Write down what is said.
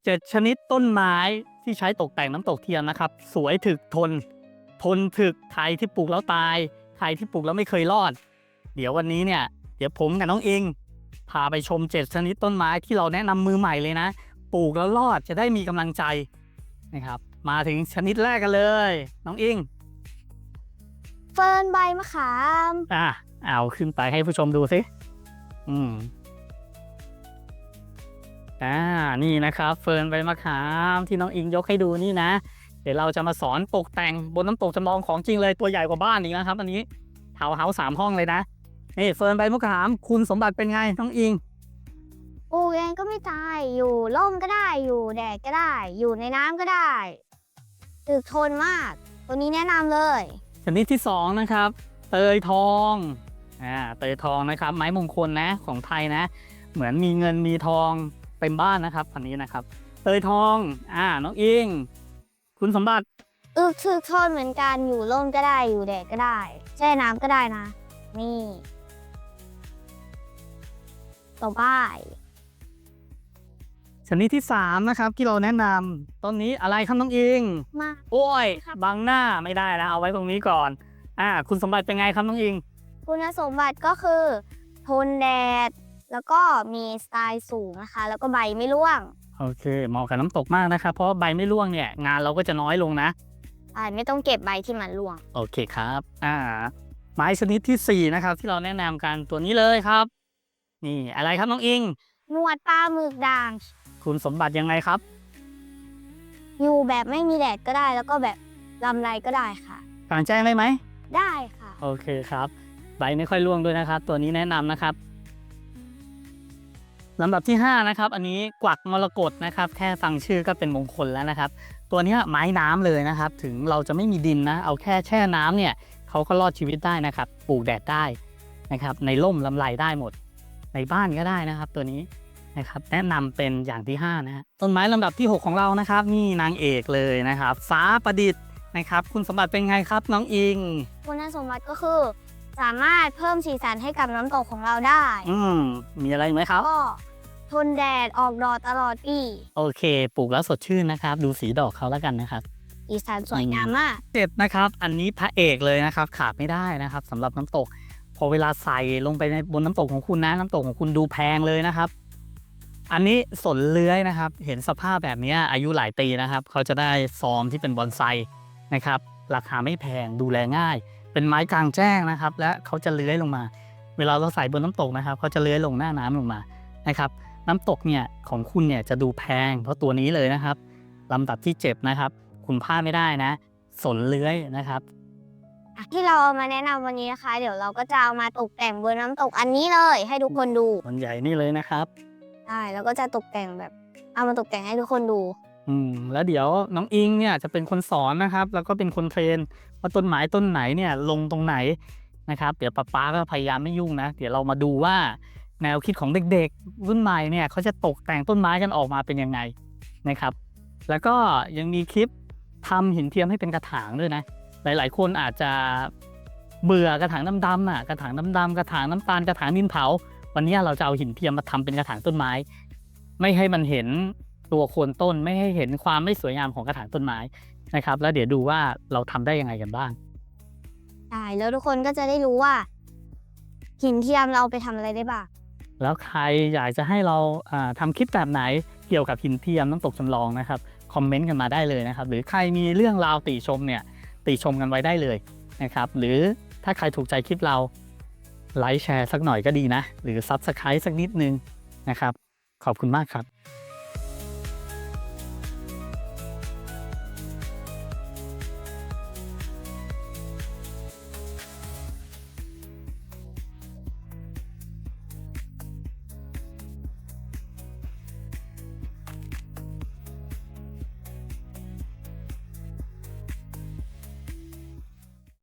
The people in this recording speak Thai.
7 ชนิดต้นไม้ที่ใช้ตกแต่งน้ำตกเทียมนะครับสวยถึกทนถึกใครที่ปลูกแล้วตายใครที่ปลูกแล้วไม่เคยรอดเดี๋ยววันนี้เนี่ยเดี๋ยวผมกับน้องอิงพาไปชม7 ชนิดต้นไม้ที่เราแนะนำมือใหม่เลยนะปลูกแล้วรอดจะได้มีกำลังใจนะครับมาถึงชนิดแรกกันเลยน้องอิงเฟิร์นใบมะขามเอาขึ้นไปให้ผู้ชมดูสินี่นะครับเฟิร์นใบมะขามที่น้องอิงยกให้ดูนี่นะเดี๋ยวเราจะมาสอนตกแต่งบนน้ำตกจำลองของจริงเลยตัวใหญ่กว่าบ้านอีกนะครับอันนี้ทาวน์เฮาส์3 ห้องเลยนะนี่เฟิร์นใบมะขามคุณสมบัติเป็นไงน้องอิงปลูกเองก็ไม่ตายอยู่ร่มก็ได้อยู่แดดก็ได้อยู่ในน้ำก็ได้ถึกทนมากตัวนี้แนะนำเลยชนิดที่2นะครับเตยทองเตยทองนะครับไม้มงคลนะของไทยนะเหมือนมีเงินมีทองเต็มบ้านนะครับอันนี้นะครับเตยทองน้องอิงคุณสมบัติถึกทนเหมือนกันอยู่ร่มก็ได้อยู่แดดก็ได้แช่น้ำก็ได้นะนี่ต่อไปชนิดที่3นะครับที่เราแนะนำต้นนี้อะไรครับน้องอิงมาโอ้ยบังหน้าไม่ได้นะเอาไว้ตรงนี้ก่อนคุณสมบัติเป็นไงครับน้องอิงคุณสมบัติก็คือทนแดดแล้วก็มีสไตล์สูงนะคะแล้วก็ใบไม่ร่วงโอเคเหมาะกับน้ำตกมากนะครับเพราะใบไม่ร่วงเนี่ยงานเราก็จะน้อยลงนะไม่ต้องเก็บใบที่มันร่วงโอเคครับไม้ชนิดที่4นะครับที่เราแนะนำกันตัวนี้เลยครับนี่อะไรครับน้องอิงหนวดปลาหมึกด่างคุณสมบัติยังไงครับอยู่แบบไม่มีแดดก็ได้แล้วก็แบบลำไรก็ได้ค่ะกลางแจ้งได้ไหมได้ค่ะโอเคครับใบไม่ค่อยร่วงด้วยนะครับตัวนี้แนะนำนะครับลำดับที่5นะครับอันนี้กวักมรกตนะครับแค่ฟังชื่อก็เป็นมงคลแล้วนะครับตัวนี้ไม้น้ำเลยนะครับถึงเราจะไม่มีดินนะเอาแค่แช่น้ำเนี่ยเขาก็รอดชีวิตได้นะครับปลูกแดดได้นะครับในร่มลำไรได้หมดในบ้านก็ได้นะครับตัวนี้นะครับแนะนำเป็นอย่างที่5นะฮะต้นไม้ลำดับที่6ของเรานะครับนี่นางเอกเลยนะครับฟ้าประดิษฐ์นะครับคุณสมบัติเป็นไงครับน้องอิงคุณสมบัติก็คือสามารถเพิ่มสีสันให้กับน้ำตกของเราได้มีอะไรไหมครับก็ทนแดดออกดอกตลอดปีโอเคปลูกแล้วสดชื่นนะครับดูสีดอกเขาแล้วกันนะครับสีสันสวยงามมาก 7นะครับอันนี้พระเอกเลยนะครับขาดไม่ได้นะครับสำหรับน้ำตกพอเวลาใส่ลงไปในบนน้ำตกของคุณนะน้ำตกของคุณดูแพงเลยนะครับอันนี้สนเลื้อยนะครับเห็นสภาพแบบนี้อายุหลายปีนะครับเขาจะได้ฟอร์มที่เป็นบอนไซนะครับราคาไม่แพงดูแลง่ายเป็นไม้กลางแจ้งนะครับและเขาจะเลื้อยลงมาเวลาเราใส่บนน้ำตกนะครับเขาจะเลื้อยลงหน้าน้ำลงมานะครับน้ำตกเนี่ยของคุณเนี่ยจะดูแพงเพราะตัวนี้เลยนะครับลำดับที่7นะครับคุณพลาดไม่ได้นะสนเลื้อยนะครับที่เราเอามาแนะนำวันนี้นะคะเดี๋ยวเราก็จะเอามาตกแต่งบนน้ำตกอันนี้เลยให้ทุกคนดูมันใหญ่นี่เลยนะครับใช่แล้วก็จะตกแต่งแบบเอามาตกแต่งให้ทุกคนดูแล้วเดี๋ยวน้องอิงเนี่ยจะเป็นคนสอนนะครับแล้วก็เป็นคนเทรนว่าต้นไม้ต้นไหนเนี่ยลงตรงไหนนะครับเดี๋ยวป๊าก็พยายามไม่ยุ่งนะเดี๋ยวเรามาดูว่าแนวคิดของเด็กๆรุ่นใหม่เนี่ยเขาจะตกแต่งต้นไม้กันออกมาเป็นยังไงนะครับแล้วก็ยังมีคลิปทำหินเทียมให้เป็นกระถางด้วยนะหลายๆคนอาจจะเบื่อกระถางดำๆกระถางดำๆกระถางน้ำตาลกระถางดินเผาวันนี้เราจะเอาหินเทียมมาทำเป็นกระถางต้นไม้ไม่ให้มันเห็นตัวโคนต้นไม่ให้เห็นความไม่สวยงามของกระถางต้นไม้นะครับแล้วเดี๋ยวดูว่าเราทำได้ยังไงกันบ้างใช่แล้วทุกคนก็จะได้รู้ว่าหินเทียมเราไปทำอะไรได้บ้างแล้วใครอยากจะให้เราทำคลิปแบบไหนเกี่ยวกับหินเทียมน้ำตกจำลองนะครับคอมเมนต์กันมาได้เลยนะครับหรือใครมีเรื่องราวติชมเนี่ยติชมกันไว้ได้เลยนะครับหรือถ้าใครถูกใจคลิปเราไลค์แชร์สักหน่อยก็ดีนะหรือ Subscribe สักนิดนึงนะครับขอบคุณมากครับ